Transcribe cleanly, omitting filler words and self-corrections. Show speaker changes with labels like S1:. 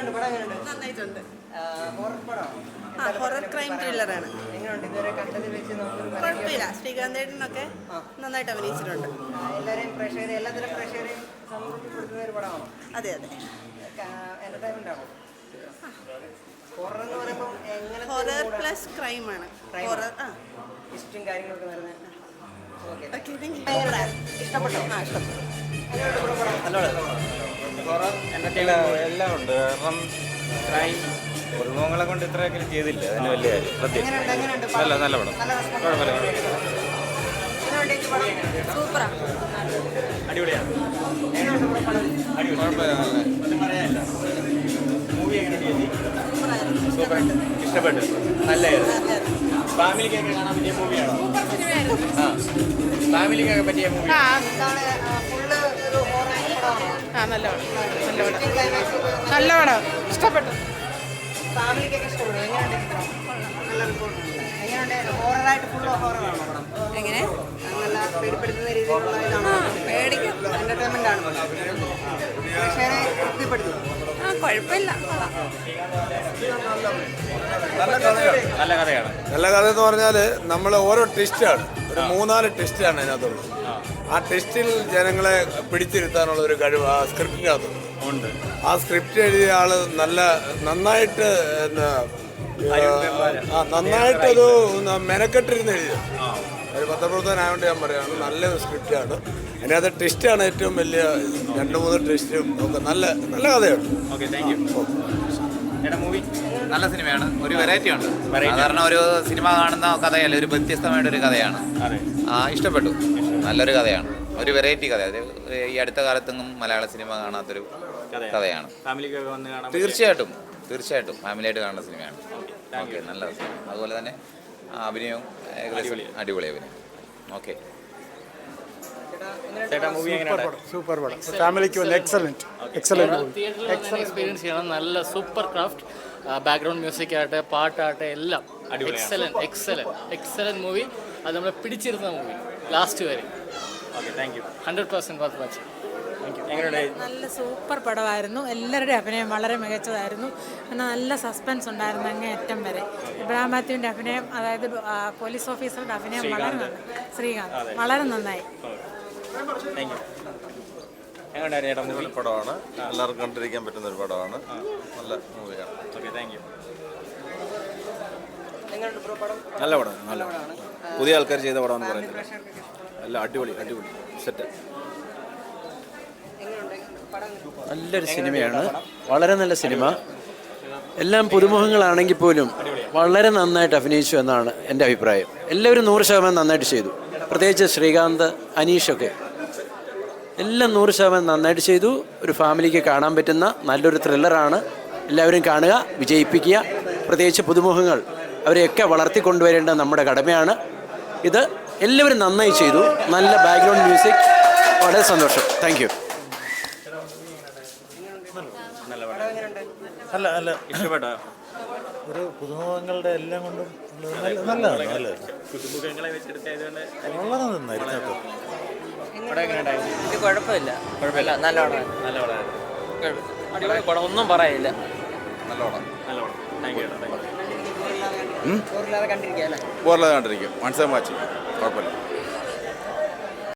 S1: എങ്ങനെയുണ്ട് പടം? എങ്ങനെയുണ്ട്?
S2: നന്നായിട്ടുണ്ട്.
S1: ഹൊറർ പടമാണോ?
S2: ഹൊറർ ക്രൈം ത്രില്ലറാണ്.
S1: എങ്ങനെയുണ്ട് ഇതുവരെ കണ്ടതിൽ വെച്ച് നമുക്കൊരു
S2: കുഴപ്പമില്ല. ശ്രീകാന്തേട്ടനൊക്കെ നന്നായിട്ട് അഭിനയിച്ചിട്ടുണ്ട്.
S1: എല്ലാവരെയും പ്രേക്ഷകരെ എല്ലാത്തരം പ്രേക്ഷകരെയും സംതൃപ്തിപ്പെടുത്തുന്ന ഒരു പടമാണോ?
S2: അതെ അതെ.
S1: എന്റർടൈൻമെന്റ് ആണോ? ഹൊറർ എന്ന് പറയുമ്പോൾ എങ്ങനെ?
S2: Horror plus ക്രൈമാണ്. ഹൊറർ
S1: ഇഷ്ടം കാര്യങ്ങളൊക്കെ വരുന്നത്.
S2: ഇഷ്ടപ്പെട്ടോ? ഇഷ്ടപ്പെട്ടു.
S3: ഹൊറർ എന്റർടൈൻമെന്റ് എല്ലാം ഉണ്ട്. കാരണം ക്രൈം കുടുംബങ്ങളെ കൊണ്ട് ഇത്രയൊക്കെ ചെയ്തില്ല. അതിന് വലിയ പ്രത്യേകിച്ച് നല്ല നല്ല പടം. കുഴപ്പമില്ല.
S2: സൂപ്പറാ.
S3: അടിപൊളിയാണ്. സൂപ്പർ. ഇഷ്ടപ്പെട്ടു. നല്ലതായിരുന്നു. ഫാമിലിക്കൊക്കെ കാണാൻ പറ്റിയ മൂവിയാണോ? ഫാമിലിക്കൊക്കെ പറ്റിയ മൂവി.
S2: നല്ല പടം. ഇഷ്ടപ്പെട്ടു.
S1: ഫാമിലിക്കൊക്കെ ഇഷ്ടപ്പെടും. എങ്ങനെയുണ്ട്? ഹൊററായിട്ട് ഫുൾ ഹൊററാണോ പടം?
S2: എങ്ങനെ?
S1: നല്ല പേടിപ്പെടുത്തുന്ന രീതിയിലുള്ള ഇതാണോ?
S2: പേടിക്കും.
S1: എന്റർടൈൻമെന്റ് ആണ്. പ്രേക്ഷകരെ തൃപ്തിപ്പെടുത്തും.
S2: കുഴപ്പമില്ല.
S3: നല്ല കഥയാണ്.
S4: നല്ല കഥ എന്ന് പറഞ്ഞാൽ നമ്മൾ ഓരോ ടെസ്റ്റാണ്, ഒരു 3-4 ടെസ്റ്റാണ് അതിനകത്തുള്ളത്. ആ ടെസ്റ്റിൽ ജനങ്ങളെ പിടിച്ചിരുത്താനുള്ള ഒരു കഴിവ് ആ സ്ക്രിപ്റ്റിനകത്തുണ്ട്. ആ സ്ക്രിപ്റ്റ് എഴുതിയ ആള് നന്നായിട്ട് നന്നായിട്ടൊരു മെനക്കെട്ടിരുന്ന് എഴുതിയ ഒരു പത്രപ്രവർത്തകനായതുകൊണ്ട് ഞാൻ പറയുകയാണ്, നല്ലൊരു സ്ക്രിപ്റ്റാണ്. അതിനകത്ത് ടെസ്റ്റാണ് ഏറ്റവും വലിയ 2-3 ടെസ്റ്റും ഒക്കെ നല്ല നല്ല കഥയാണ്.
S3: Okay, thank you.
S5: നല്ല സിനിമയാണ്. ഒരു വെറൈറ്റി ഉണ്ട്. സാധാരണ ഒരു സിനിമ കാണുന്ന കഥയല്ല, ഒരു വ്യത്യസ്തമായിട്ടൊരു കഥയാണ്. ഇഷ്ടപ്പെട്ടു. നല്ലൊരു കഥയാണ്, ഒരു വെറൈറ്റി കഥ. ഈ അടുത്ത കാലത്തൊന്നും മലയാള സിനിമ കാണാത്തൊരു കഥയാണ്. തീർച്ചയായിട്ടും തീർച്ചയായിട്ടും ഫാമിലിയായിട്ട് കാണുന്ന സിനിമയാണ്. ഓക്കെ, നല്ല സിനിമ. അതുപോലെ തന്നെ അഭിനയവും അടിപൊളി അഭിനയം. ഓക്കെ,
S6: സൂപ്പർ പടം. ഫാമിലിക്ക് എക്സലന്റ്
S7: എക്സ്പീരിയൻസ് ചെയ്യണം. നല്ല സൂപ്പർ ക്രാഫ്റ്റ്, ബാക്ക്ഗ്രൗണ്ട് മ്യൂസിക് ആകട്ടെ, പാട്ടാകട്ടെ, എല്ലാം എക്സലന്റ് മൂവി. അത് നമ്മളെ പിടിച്ചിരുന്ന മൂവി ലാസ്റ്റ് വരെ.
S3: Okay, thank you.
S7: 100% worth watching.
S8: നല്ല സൂപ്പർ പടമായിരുന്നു. എല്ലാവരുടെയും അഭിനയം വളരെ മികച്ചതായിരുന്നു. പിന്നെ നല്ല സസ്പെൻസ് ഉണ്ടായിരുന്നു അങ്ങേയറ്റം വരെ. ഇബ്രാഹിം മാത്യുവിൻ്റെ അഭിനയം, അതായത് പോലീസ് ഓഫീസറുടെ അഭിനയം വളരെ നന്നായി. ശ്രീകാന്ത് വളരെ നന്നായി.
S4: നല്ല പടമാണ്, എല്ലാവർക്കും കണ്ടിരിക്കാൻ പറ്റുന്ന ഒരു പടമാണ്. നല്ല മൂവിയാണ്.
S3: Okay, thank you.
S4: നല്ല പടം, നല്ല പടം. പുതിയ ആൾക്കാർ ചെയ്ത പടമെന്ന് പറയുന്നത് നല്ല അടിപൊളി സെറ്റ്.
S9: നല്ലൊരു സിനിമയാണ്, വളരെ നല്ല സിനിമ. എല്ലാം പുതുമുഖങ്ങളാണെങ്കിൽ പോലും വളരെ നന്നായിട്ട് അഭിനയിച്ചു എന്നാണ് എൻ്റെ അഭിപ്രായം. എല്ലാവരും 100% നന്നായിട്ട് ചെയ്തു. പ്രത്യേകിച്ച് ശ്രീകാന്ത്, അനീഷൊക്കെ എല്ലാം 100% നന്നായിട്ട് ചെയ്തു. ഒരു ഫാമിലിക്ക് കാണാൻ പറ്റുന്ന നല്ലൊരു ത്രില്ലറാണ്. എല്ലാവരും കാണുക, വിജയിപ്പിക്കുക. പ്രത്യേകിച്ച് പുതുമുഖങ്ങൾ, അവരെയൊക്കെ വളർത്തിക്കൊണ്ടുവരേണ്ട നമ്മുടെ കടമയാണ്. ഇത് എല്ലാവരും നന്നായി ചെയ്തു. നല്ല ബാക്ക്ഗ്രൗണ്ട് മ്യൂസിക്, വളരെ സന്തോഷം. Thank you.
S4: നല്ല
S3: ഇഷ്ടപ്പെട്ടോ?
S6: ഒരു പുതുമുഖങ്ങളുടെ എല്ലാം കൊണ്ടും നല്ലതാണ്.
S3: പുതുമുഖങ്ങളെ വെച്ചെടുത്തായതുകൊണ്ട്
S6: വളരെ നന്നായിരുന്നു.
S1: ഇത് കുഴപ്പമില്ല. നല്ല പടമായിരുന്നു.
S7: അടിപൊളി പടം, ഒന്നും പറയില്ല.
S4: നല്ല പടം.
S3: Thank you.
S1: കണ്ടിരിക്കുക അല്ലേ?
S4: ബോറില്ലാതെ കണ്ടിരിക്കും. വൺസ് ടൈം വാച്ച്, കുഴപ്പമില്ല.